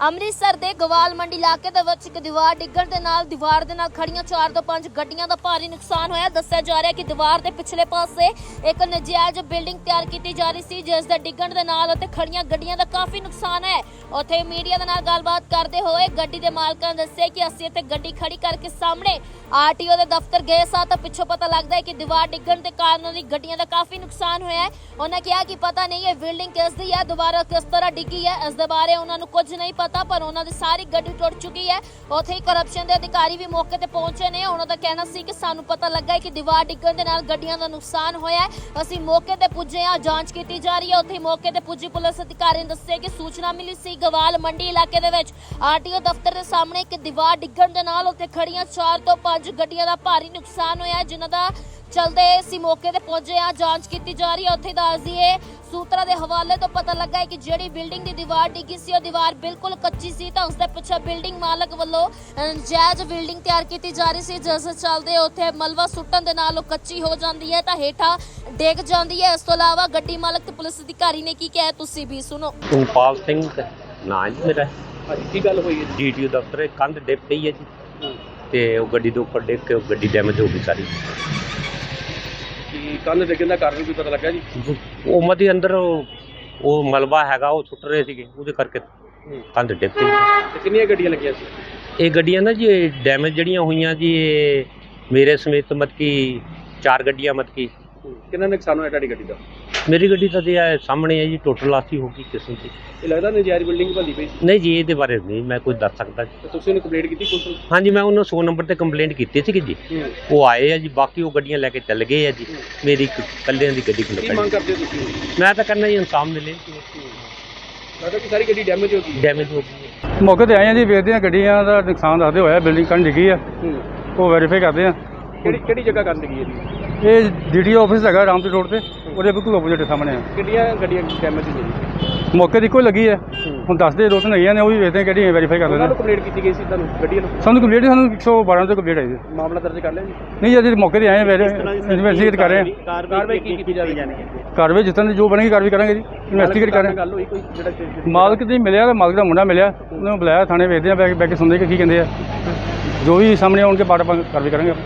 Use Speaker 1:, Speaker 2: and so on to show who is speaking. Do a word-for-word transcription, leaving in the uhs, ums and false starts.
Speaker 1: ਅੰਮ੍ਰਿਤਸਰ ਦੇ ਗਵਾਲ ਮੰਡੀ ਇਲਾਕੇ ਦੇ ਵਿੱਚ ਇੱਕ ਦੀਵਾਰ ਡਿੱਗਣ ਦੇ ਨਾਲ ਦੀਵਾਰ ਦੇ ਨਾਲ ਖੜੀਆਂ ਚਾਰ ਤੋਂ ਪੰਜ ਗੱਡੀਆਂ ਦਾ ਭਾਰੀ ਨੁਕਸਾਨ ਹੋਇਆ। ਦੱਸਿਆ ਜਾ ਰਿਹਾ ਕਿ ਦੀਵਾਰ ਦੇ ਪਿਛਲੇ ਪਾਸੇ ਇੱਕ ਨਜਾਇਜ਼ ਬਿਲਡਿੰਗ ਤਿਆਰ ਕੀਤੀ ਜਾ ਰਹੀ ਸੀ, ਜਿਸ ਦੇ ਡਿੱਗਣ ਦੇ ਨਾਲ ਉੱਥੇ ਖੜੀਆਂ ਗੱਡੀਆਂ ਦਾ ਕਾਫੀ ਨੁਕਸਾਨ ਹੈ। ਉੱਥੇ ਮੀਡੀਆ ਦੇ ਨਾਲ ਗੱਲਬਾਤ ਕਰਦੇ ਹੋਏ ਗੱਡੀ ਦੇ ਮਾਲਕਾਂ ਨੇ ਦੱਸਿਆ ਕਿ ਅਸੀਂ ਇੱਥੇ ਗੱਡੀ ਖੜੀ ਕਰਕੇ ਸਾਹਮਣੇ ਆਰਟੀਓ ਦੇ ਦਫ਼ਤਰ ਗਏ ਸਾਂ ਤਾਂ ਪਿੱਛੋਂ ਪਤਾ ਲੱਗਦਾ ਹੈ ਕਿ ਦੀਵਾਰ ਡਿੱਗਣ ਦੇ ਕਾਰਨ ਉਹਦੀ ਗੱਡੀਆਂ ਦਾ ਕਾਫੀ ਨੁਕਸਾਨ ਹੋਇਆ ਹੈ। ਉਹਨਾਂ ਕਿਹਾ ਕਿ ਪਤਾ ਨਹੀਂ ਇਹ ਬਿਲਡਿੰਗ ਕਿਸ ਦੀ ਹੈ, ਦੁਬਾਰਾ ਕਿਸ ਤਰ੍ਹਾਂ ਡਿੱਗੀ ਹੈ, ਇਸ ਦੇ ਬਾਰੇ ਉਹਨਾਂ ਨੂੰ ਕੁਝ ਨਹੀਂ ਪਤਾ, ਪਰ ਉਹਨਾਂ ਦੀ ਸਾਰੀ ਗੱਡੀ ਟੁੱਟ ਚੁੱਕੀ ਹੈ। ਉੱਥੇ ਹੀ ਕਰਪਸ਼ਨ ਦੇ ਅਧਿਕਾਰੀ ਵੀ ਮੌਕੇ ਤੇ ਪਹੁੰਚੇ ਨੇ। ਉਹਨਾਂ ਦਾ ਕਹਿਣਾ ਸੀ ਕਿ ਸਾਨੂੰ ਪਤਾ ਲੱਗਾ ਹੈ ਕਿ ਦੀਵਾਰ ਡਿੱਗਣ ਦੇ ਨਾਲ ਗੱਡੀਆਂ ਦਾ ਨੁਕਸਾਨ ਹੋਇਆ ਹੈ, ਅਸੀਂ ਮੌਕੇ ਤੇ ਪੁੱਜੇ ਹਾਂ, ਜਾਂਚ ਕੀਤੀ ਜਾ ਰਹੀ ਹੈ। ਉੱਥੇ ਮੌਕੇ ਤੇ ਪੁੱਜੀ ਪੁਲਿਸ ਅਧਿਕਾਰੀ ਨੇ ਦੱਸਿਆ ਕਿ ਸੂਚਨਾ ਮਿਲੀ ਸੀ ਗਵਾਲ ਮੰਡੀ ਇਲਾਕੇ ਦੇ ਵਿੱਚ ਆਰਟੀਓ ਦਫ਼ਤਰ ਦੇ ਸਾਹਮਣੇ ਇੱਕ ਦੀਵਾਰ ਡਿੱਗਣ ਦੇ ਨਾਲ ਉੱਥੇ ਖੜੀਆਂ ਚਾਰ ਤੋਂ ਪੰਜ ਗੱਡੀਆਂ ਦਾ ਭਾਰੀ ਨੁਕਸਾਨ ਹੋਇਆ, ਜਿਨ੍ਹਾਂ ਦਾ ਚਲਦੇ ਅਸੀਂ ਮੌਕੇ ਤੇ ਪਹੁੰਚੇ ਆ, ਜਾਂਚ ਕੀਤੀ ਜਾ ਰਹੀ ਹੈ। ਉੱਥੇ ਦੱਸ ਦਈਏ ਸੂਤਰਾਂ ਦੇ ਹਵਾਲੇ ਤੋਂ ਪਤਾ ਲੱਗਾ ਹੈ ਕਿ ਜਿਹੜੀ ਬਿਲਡਿੰਗ ਦੀ ਦੀਵਾਰ ਡਿੱਗੀ ਸੀ ਉਹ ਦੀਵਾਰ ਬਿਲਕੁਲ ਕੱਚੀ ਸੀ, ਤਾਂ ਉਸ ਦੇ ਪਿੱਛੇ ਬਿਲਡਿੰਗ ਮਾਲਕ ਵੱਲੋਂ ਨਜਾਇਜ਼ ਬਿਲਡਿੰਗ ਤਿਆਰ ਕੀਤੀ ਜਾ ਰਹੀ ਸੀ, ਜਿਸ ਦੇ ਚੱਲਦੇ ਉੱਥੇ ਮਲਬਾ ਸੁੱਟਣ ਦੇ ਨਾਲ ਉਹ ਕੱਚੀ ਹੋ ਜਾਂਦੀ ਹੈ ਤਾਂ ਹੇਠਾਂ ਡਿੱਗ ਜਾਂਦੀ ਹੈ। ਇਸ ਤੋਂ ਇਲਾਵਾ ਗੱਡੀ ਮਾਲਕ ਤੇ ਪੁਲਿਸ ਅਧਿਕਾਰੀ ਨੇ ਕੀ ਕਿਹਾ ਤੁਸੀਂ ਵੀ ਸੁਣੋ।
Speaker 2: ਸੁਖਪਾਲ ਸਿੰਘ ਨਾਂ ਜੀ ਮੇਰਾ।
Speaker 3: ਹਾਂਜੀ, ਕੀ ਗੱਲ ਹੋਈ ਹੈ ਜੀ?
Speaker 2: ਡੀਟੀਓ ਦਫ਼ਤਰ ਕੰਧ ਡਿੱਗ ਪਈ ਹੈ ਜੀ, ਤੇ ਉਹ ਗੱਡੀ ਦੇ ਉੱਪਰ ਡਿੱਗ ਕੇ ਉਹ ਗੱਡੀ ਡੈਮੇਜ ਹੋ ਗਈ ਸਾਰੀ।
Speaker 3: ਕੀ ਕੰਧ ਡਿੱਗਣ ਦਾ ਕਾਰਨ ਵੀ ਪਤਾ ਲੱਗਾ ਜੀ?
Speaker 2: ਉਹ ਮਦੀ ਅੰਦਰ ਉਹ ਉਹ ਮਲਬਾ ਹੈਗਾ ਉਹ ਸੁੱਟ ਰਹੇ ਸੀਗੇ, ਉਹਦੇ ਕਰਕੇ ਕੰਧ ਡਿੱਗ ਪਈ।
Speaker 3: ਤੇ ਕਿੰਨੀਆਂ ਗੱਡੀਆਂ ਲੱਗੀਆਂ ਸੀ?
Speaker 2: ਇਹ ਗੱਡੀਆਂ ਨਾ ਜੀ ਡੈਮੇਜ ਜਿਹੜੀਆਂ ਹੋਈਆਂ ਜੀ, ਇਹ ਮੇਰੇ ਸਮੇਤ ਮਤ ਕੀ ਚਾਰ ਗੱਡੀਆਂ ਮਤ ਕੀ।
Speaker 3: ਕਿੰਨਾ ਨੁਕਸਾਨ ਹੋਇਆ ਤੁਹਾਡੀ ਗੱਡੀ ਦਾ?
Speaker 2: ਮੇਰੀ ਗੱਡੀ ਤਾਂ ਜੀ ਇਹ ਸਾਹਮਣੇ ਹੈ ਜੀ, ਟੋਟਲ ਲਾਸੀ ਹੋ ਗਈ ਕਿਸਮ ਦੀ।
Speaker 3: ਇਹ ਲੱਗਦਾ ਨਜਾਇਜ਼ ਬਿਲਡਿੰਗ ਬੰਦੀ ਪਈ ਸੀ?
Speaker 2: ਨਹੀਂ ਜੀ, ਇਹਦੇ ਬਾਰੇ ਨਹੀਂ ਮੈਂ ਕੁਝ ਦੱਸ ਸਕਦਾ ਜੀ।
Speaker 3: ਤੇ ਤੁਸੀਂ ਉਹਨੂੰ ਕੰਪਲੇਂਟ ਕੀਤੀ ਪੁਲਿਸ ਨੂੰ?
Speaker 2: ਹਾਂਜੀ, ਮੈਂ ਉਹਨਾਂ ਸੌ ਨੰਬਰ ਤੇ ਕੰਪਲੇਂਟ ਕੀਤੀ ਸੀਗੀ ਜੀ, ਉਹ ਆਏ ਆ ਜੀ, ਬਾਕੀ ਉਹ ਗੱਡੀਆਂ ਲੈ ਕੇ ਚੱਲ ਗਏ ਆ ਜੀ। ਮੇਰੀ ਇੱਕ ਇਕੱਲਿਆਂ ਦੀ ਗੱਡੀ
Speaker 3: ਕੀ ਮੰਗ ਕਰਦੇ ਹੋ ਤੁਸੀਂ?
Speaker 2: ਮੈਂ ਤਾਂ ਕਰਨਾ ਜੀ ਇਨਸਾਫ ਮਿਲੇ।
Speaker 3: ਲੱਗਦਾ ਕਿ ਸਾਰੀ ਗੱਡੀ ਡੈਮੇਜ ਹੋ ਗਈ?
Speaker 2: ਡੈਮੇਜ ਹੋ ਗਈ।
Speaker 4: ਮੌਕੇ ਤੇ ਆਏ ਆ ਜੀ, ਵੇਖਦੇ ਆ ਗੱਡੀਆਂ ਦਾ ਨੁਕਸਾਨ ਦੱਸਦੇ ਹੋਇਆ, ਬਿਲਡਿੰਗ ਕੰਨ ਡਿੱਗੀ ਆ, ਉਹ ਵੈਰੀਫਾਈ ਕਰਦੇ ਆ।
Speaker 3: ਕਿਹੜੀ ਕਿਹੜੀ ਜਗ੍ਹਾ ਕਰਨ ਲੱਗੀ ਹੈ ਜੀ?
Speaker 4: ਇਹ ਡੀਡੀਓ ਆਫਿਸ ਹੈਗਾ ਰਾਮਪੁਰ ਰੋਡ ਤੇ, ਉਹਦੇ ਬਿਲਕੁਲ ਆਪੋਜ਼ਿਟ ਸਾਹਮਣੇ ਆ।
Speaker 3: ਕਿੰਨੀਆਂ ਗੱਡੀਆਂ ਡੈਮੇਜ ਹੋਈਆਂ ਜੀ?
Speaker 4: ਮੌਕੇ ਦੀ ਇੱਕੋ ਹੀ ਲੱਗੀ ਹੈ, ਹੁਣ ਦੱਸਦੇ ਦੋ ਤਿੰਨ ਹੈਗੀਆਂ ਨੇ, ਉਹ ਵੀ ਵੇਖਦੇ ਆ ਕਿਹੜੀ ਵੈਰੀਫਾਈ ਕਰਦੇ
Speaker 3: ਉਹਨਾਂ
Speaker 4: ਨੇ।
Speaker 3: ਨੂੰ ਕੰਪਲੇਂਟ ਕੀਤੀ ਗਈ ਸੀ ਤੁਹਾਨੂੰ ਗੱਡੀਆਂ ਨੂੰ?
Speaker 4: ਸਾਨੂੰ ਕੰਪਲੀਟ ਸਾਨੂੰ ਇੱਕ ਸੌ ਬਾਰਾਂ ਤੋਂ ਕੰਪਲੀਟ ਆਈ ਸੀ।
Speaker 3: ਮਾਮਲਾ ਦਰਜ ਕਰ ਲਿਆ ਜੀ?
Speaker 4: ਨਹੀਂ, ਅਸੀਂ ਮੌਕੇ ਤੇ ਆਏ ਆ, ਇਨਵੈਸਟੀਗੇਟ ਕਰ ਰਹੇ ਆ।
Speaker 3: ਕਾਰਵਾਈ ਕੀ ਕੀਤੀ ਜਾਵੇਗੀ?
Speaker 4: ਕਾਰਵਾਈ ਜਿੱਦਾਂ ਦੀ ਜੋ ਬਣੇਗੀ ਕਾਰਵਾਈ ਕਰਾਂਗੇ ਜੀ, ਇਨਵੈਸਟੀਗੇਟ ਕਰ ਰਹੇ ਆ।
Speaker 3: ਗੱਲ ਹੋਈ ਕੋਈ ਜਿਹੜਾ
Speaker 4: ਮਾਲਕ ਦੀ ਮਿਲਿਆ, ਤਾਂ ਮਾਲਕ ਦਾ ਮੁੰਡਾ ਮਿਲਿਆ, ਉਹਨੂੰ ਬੁਲਾਇਆ ਥਾਣੇ, ਵੇਖਦੇ ਆ ਬੈ ਕੇ ਬੈ ਕੇ ਸੁਣਦੇ ਕਿ ਕੀ ਕਹਿੰਦੇ ਆ, ਜੋ ਵੀ ਸਾਹਮਣੇ ਆਉਣਗੇ ਬਾਅਦ ਆਪਾਂ ਕਾਰਵਾਈ ਕਰਾਂਗੇ।